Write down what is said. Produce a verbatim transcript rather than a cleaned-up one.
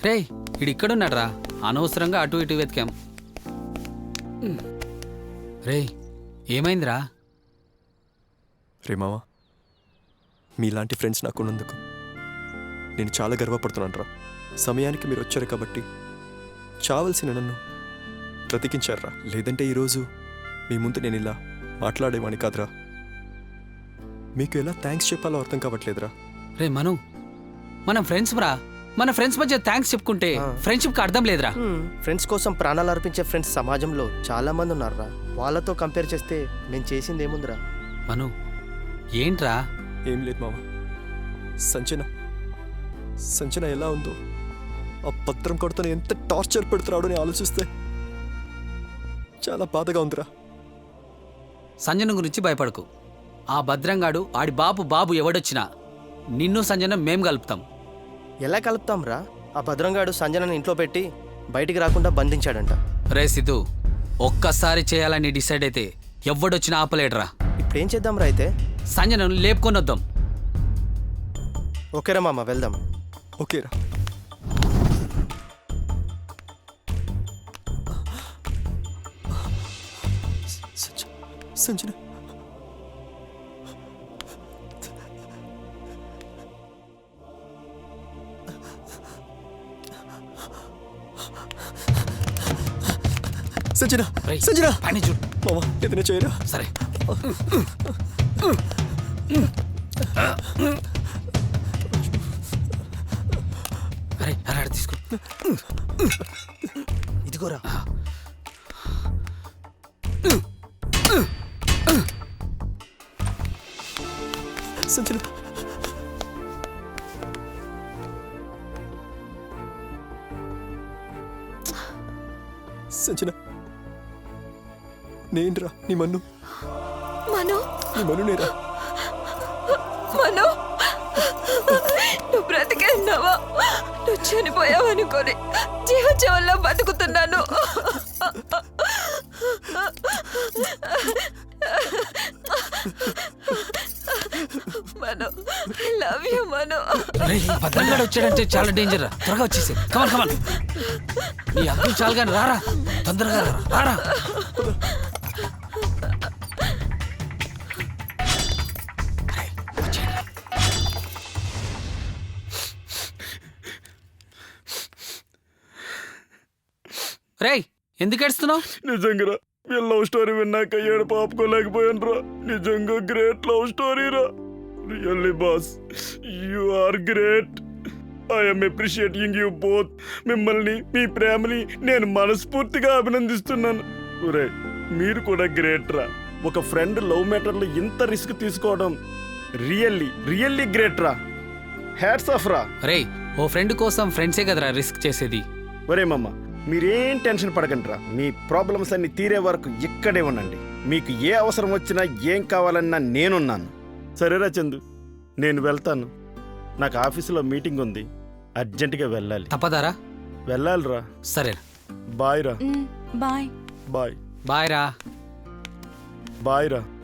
రే ఇక్కడున్నాడు రా, అనవసరంగా అటు ఇటు వెతికాం. రే ఏమైందిరా? రే మావా, మీలాంటి ఫ్రెండ్స్ నాకు ఉన్నందుకు నేను చాలా గర్వపడుతున్నాను రా. సమయానికి మీరు వచ్చారు కాబట్టి చావలసిన నన్ను బ్రతికించారా. లేదంటే ఈరోజు మీ ముందు నేను ఇలా మాట్లాడేవాని కాదురా. మీకు ఎలా థ్యాంక్స్ చెప్పాలో అర్థం కావట్లేదురా. రే మను, మనం ఫ్రెండ్స్ రా, మన ఫ్రెండ్స్ మధ్య థ్యాంక్స్ చెప్పుకుంటే ఫ్రెండ్షిప్కి అర్థం లేదురా. ఫ్రెండ్స్ కోసం ప్రాణాలు అర్పించే ఫ్రెండ్స్ సమాజంలో చాలా మంది ఉన్నారురా. వాళ్ళతో కంపేర్ చేస్తే నేను చేసింది ఏముందిరా? మను ఏంట్రా? ఏం లేదు మామ. సంచన సంచన ఎలా ఉందో, ఆ పత్రం కొడుతూ ఎంత టార్చర్ పెడుతున్నాడో అని ఆలోచిస్తే చాలా బాధగా ఉందిరా. సంజన గురించి భయపడకు. ఆ భద్రంగాడు ఆడి బాబు బాబు ఎవడొచ్చినా నిన్ను సంజన మేం కలుపుతాం. ఎలా కలుపుతాం రా? ఆ భద్రంగాడు సంజనని ఇంట్లో పెట్టి బయటికి రాకుండా బంధించాడంట. రే సిద్ధు, ఒక్కసారి చేయాలని డిసైడ్ అయితే ఎవడొచ్చినా ఆపలేడురా. ఇప్పుడు ఏం చేద్దాం రా? అయితే సంజనను లేపుకొని వద్దాం. ఓకేరా మామ, వెళ్దాం. ఓకేరా. సంజన సంజన సంజన పని చూడు మామ, ఏదైనా చేయరా? సరే. అరే అరే తీసుకో. ఇదిగోరా. సంజన సంజన నేనురా, నీ మన్ను. మను నీ మన్ను నేరా. మను, నువ్వు బ్రతికే ఉన్నావా? నువ్వు చనిపోయావు అనుకోని జీవజీవంలో బతుకుతున్నాను. Manu, I love you Manu. భద్రంగాడు వచ్చాడంటే చాలా డేంజర్ రా. త్వరగా వచ్చేసి కమన్ కమన్. నీ అబ్బు చాలు కానీ రారా, తొందరగా రా, రారా. రేయ్ ఎందుకు ఏడుస్తున్నావు? నిజంగా వీళ్ళ లవ్ స్టోరీ విన్నాక ఏడు పాపుకోలేకపోయాను రా. నిజంగా గ్రేట్ లవ్ స్టోరీ రా. Really boss, you are great. I'm appreciating you both. మిమ్మల్ని, మీ ప్రేమని నేను మనస్ఫూర్తిగా అభినందిస్తున్నాను. ఒరే మీరు కూడా గ్రేట్ రా. ఒక ఫ్రెండ్ లవ్ మ్యాటర్లో ఇంత రిస్క్ తీసుకోవడం రియల్లీ రియల్లీ గ్రేట్ రా. హ్యాట్స్ ఆఫ్ రా. రేయ్ ఓ ఫ్రెండ్ కోసం ఫ్రెండ్సే కదరా రిస్క్ చేసేది. ఒరే మమ్మ, మీరేం టెన్షన్ పడకండి రా. మీ ప్రాబ్లమ్స్ అన్ని తీరే వరకు ఇక్కడే ఉండండి. మీకు ఏ అవసరం వచ్చినా ఏం కావాలన్నా నేనున్నాను. సరేరా చందు, నేను వెళ్తాను. నాకు ఆఫీసులో మీటింగ్ ఉంది, అర్జెంటుగా వెళ్ళాలి. తప్పదారా? వెళ్ళాలిరా. సరే బాయ్ రా. బాయ్ బాయ్ బాయ్ రా. బాయ్ రా.